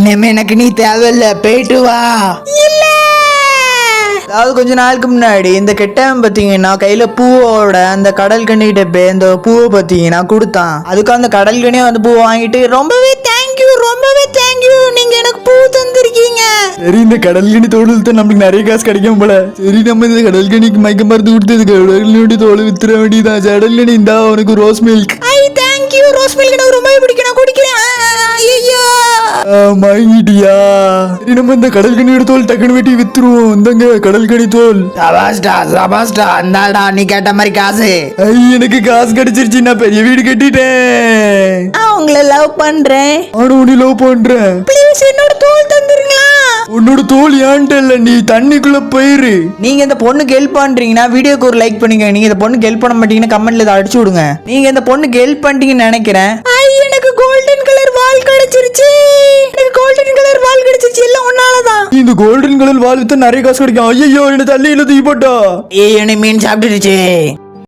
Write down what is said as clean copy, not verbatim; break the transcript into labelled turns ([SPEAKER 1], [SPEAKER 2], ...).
[SPEAKER 1] இனிமே எனக்கு நீ தேவையில்ல, போயிட்டு வா. அதாவது கொஞ்ச நாளுக்கு முன்னாடி இந்த கெட்டவன் பாத்தீங்கன்னா கையில பூவோட அந்த கடல் கண்ணிட்ட போய் அந்த பூவை பாத்தீங்கன்னா கொடுத்தான். அதுக்கு அந்த கடல் கண்ணியை வந்து பூ வாங்கிட்டு ரொம்பவே தேங்க்யூ நீங்க எனக்கு பூ தந்திருக்கீங்க.
[SPEAKER 2] சரி, இந்த கடல் கனி தோல் தான் நம்மளுக்கு நிறைய காசு கிடைக்கும் போல. சரி, நம்ம இந்த கடல் கனிக்கு மயக்க மருந்து கொடுத்து கடல் கனி தோல் வித்துற வேண்டியதான். கடல் கனி இந்தா உனக்கு rose milk.
[SPEAKER 1] Thank you, rose milk எனக்கு ரொம்ப பிடிக்கும், நான் குடிக்கிறேன். ஐயோ
[SPEAKER 2] வாங்கிட்டியா? சரி, நம்ம இந்த கடல் கனியோட தோல் டக்குனு வெட்டி வித்துருவோம். இந்தங்க கடல் கனி தோல்.
[SPEAKER 1] சபாஸ்டா இந்தாடா நீ கேட்ட மாதிரி காசு.
[SPEAKER 2] எனக்கு காசு கிடைச்சிருச்சு, நான் பெரிய வீடு கட்டிட்டேன்.
[SPEAKER 1] உங்களை லவ் பண்றேன்.
[SPEAKER 2] நானும் உன்னை லவ் பண்றேன்.
[SPEAKER 1] ப்ளீஸ் என்னோட தோல் தந்துருங்களா?
[SPEAKER 2] உன்னோட தோல் ஏன்ட்ட இல்ல, நீ தண்ணிக்குள்ள போயிரு.
[SPEAKER 1] நீங்க இந்த பொண்ணுக்கு ஹெல்ப் பண்றீங்கன்னா வீடியோக்கு ஒரு லைக் பண்ணுங்க. நீங்க இந்த பொண்ணுக்கு ஹெல்ப் பண்ண மாட்டீங்கன்னா கமெண்ட்ல இதை அடிச்சு விடுங்க. நீங்க இந்த பொண்ணுக்கு ஹெல்ப் பண்ணிட்டீங்கன்னு நினைக்கிறேன். எனக்கு கோல்டன் கலர் வால் கிடைச்சிருச்சு. எல்லாம் ஒன்னாலதான்.
[SPEAKER 2] இந்த கோல்டன் கலர் வால் வித்தா நிறைய காசு கிடைக்கும். ஐயோ, என்ன தள்ளி தூக்கி போட்டா.
[SPEAKER 1] என்ன மீன் சாப்பிட்டுருச்சு.